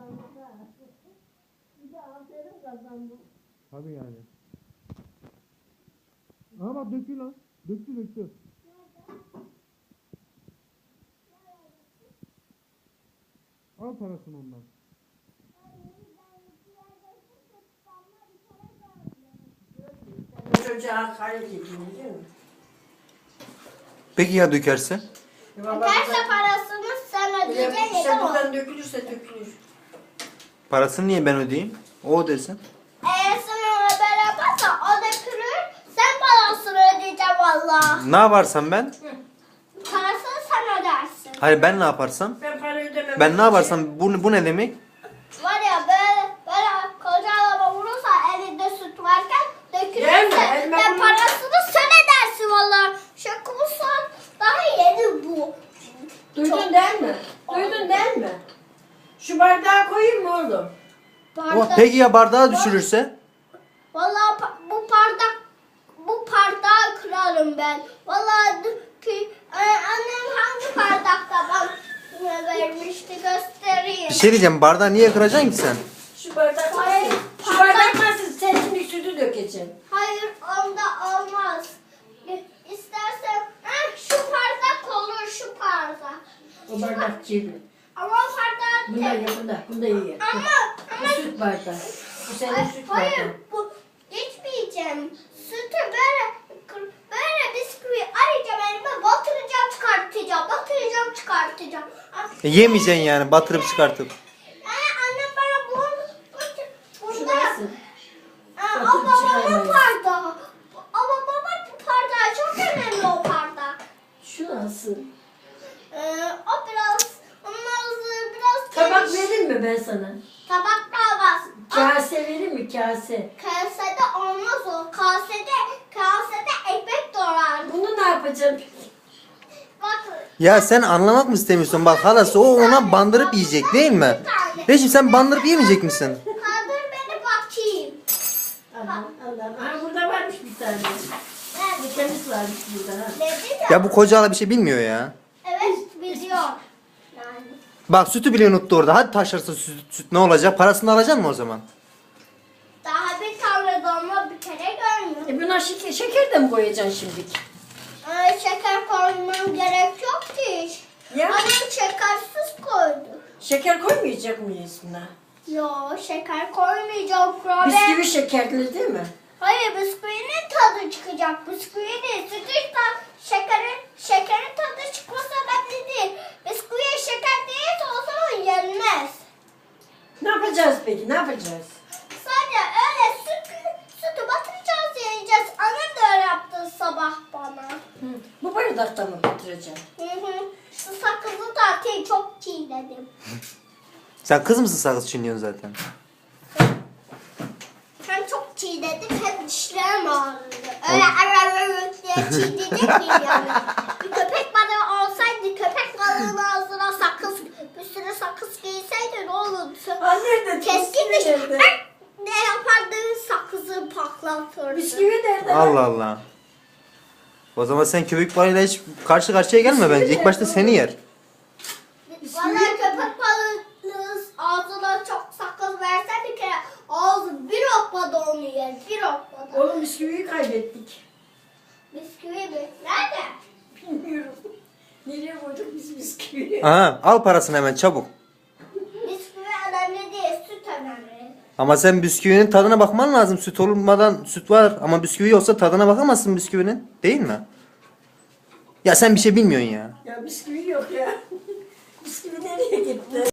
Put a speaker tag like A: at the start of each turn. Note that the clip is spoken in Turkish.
A: Bir de aferin kazandım.
B: Tabii yani. Aha bak döktü lan. Döktü. Al parasını ondan.
A: Çocuğa hakaret ediyor değil mi?
B: Peki ya dökerse?
C: Dökerse parasını sen ödeyeceksin.
A: İşte buradan dökülürse dökülür.
B: Parasını niye ben ödeyeyim? O ödesin.
C: Eğer sen ona berabersen o dökülür. Sen parasını ödeyeceksin valla.
B: Ne yaparsam ben?
C: Parasını sen ödersin.
B: Hayır ben ne yaparsam?
A: Ben para ödemem.
B: Ben ne yaparsam bu ne demek?
C: Var ya böyle koca araba vurursa elinde süt varken
A: Gelme,
C: dökülürse
A: elime
C: ve
A: bunu-
C: parasını sen ödersin valla. Şakumuzsan daha yeni bu.
A: Duydun değil mi? Duydun değil mi? Şu bardağı koyayım mı oğlum?
B: Peki ya bardağı düşürürse?
C: Valla bu bardağı kırarım ben. Valla ki annem hangi bardakta bana vermişti göstereyim.
B: Bir şey diyeceğim, bardağı niye kıracaksın ki sen?
A: Şu bardak
C: Hayır,
A: nasıl? Şu bardak nasıl? Sen şimdi sütü dökeceksin.
C: Hayır onda olmaz. İstersen şu bardak olur şu bardak.
A: O bardak kirli.
C: Ama o bardak
A: Bunda ye bunda. Bunda ye. Bu süt bardağı. Bu senin süt
C: hayır
A: bardağı.
C: bu içmeyeceğim. Sütü böyle bisküvi arayacağım elime batıracağım çıkartacağım.
B: Yemeyeceksin yani, batırıp çıkartıp.
C: Annem bana
A: Şu
C: bunda
A: nasıl?
C: o
A: Batırıp
C: babamın
A: çıkarmayın.
C: bardağı. Ama babamın bardağı çok önemli o bardak.
A: Şu nasıl?
C: O biraz
A: Tabak
C: geniş.
A: vereyim mi ben sana?
C: Tabak da olmaz.
A: Kase vereyim mi? Kase.
C: Kasede olmaz o. Kasede ekmek doğrar.
A: Bunu ne yapacağım?
C: Bak.
B: Ya sen anlamak mı istemiyorsun? Bak halası o ona bandırıp yiyecek değil mi? Reşim sen bandırıp yemeyecek misin?
C: Kaldır beni bakayım.
A: Allah. Ha burada varmış bir tane.
C: Evet.
A: Temiz varmış burada. Ha.
C: Dedim ya.
B: Ya bu koca hala bir şey bilmiyor ya.
C: Evet biliyor. Yani.
B: Bak sütü bile unuttu orada. Hadi taşırsa süt ne olacak? Parasını alacaksın mı o zaman?
C: Daha bir tane dolma bir kere görmüyor.
A: Buna şeker de mi koyacaksın şimdi?
C: Şeker koymam gerek yok ki.
A: Ya.
C: Annem şekersiz koydu.
A: Şeker koymayacak mıyız buna?
C: Yo şeker koymayacağım kurabiye.
A: Bisküvi şekerli değil mi?
C: Hayır bisküvinin tadı çıkacak. Bisküvinin sütün şekerin tadı çıkmasa önemli değil. Bisküviye şeker değilse o zaman yenmez.
A: Ne yapacağız peki? Ne yapacağız?
C: Sadece öyle sütü batıracağız yiyeceğiz. Annem de öyle yaptı sabah bana.
A: Bu bardakta mı batıracağım?
C: Şu sakızı da atayım çok çiğnedim.
B: Sen kız mısın sakız çiğniyorsun zaten?
C: Hem çok çiğnedim hem dişlerim ağrıdı. Öyle diye çiğneyecek miyim yani? Bir köpek balığı olsaydı köpek balığının ağzına bir sürü sakız giyseydi ne olurdu?
A: Nerede?
C: Keskin diş.
A: Nerede?
C: Ne yapardın sakızı patlatırdı.
A: Bisküvi nerede?
B: Allah Allah. O zaman sen köpek balığıyla hiç karşı karşıya gelme bence. İlk başta seni yer.
C: Bana köpek balığının ağzına çok sakız verse bir kere ağzı bir okmada onu yer. Bir okmada.
A: Oğlum bisküviyi kaybettik.
C: Bisküvi mi? Nerede?
A: Bilmiyorum. Nereye koyduk biz bisküviyi?
B: Aha, al parasını hemen çabuk.
C: Bisküvi önemli değil, süt önemli.
B: Ama sen bisküvinin tadına bakman lazım. Süt olmadan süt var ama bisküvi olsa tadına bakamazsın bisküvinin. Değil mi? Ya sen bir şey bilmiyorsun ya.
A: Ya bisküvi yok ya. Bisküvi nereye gitti?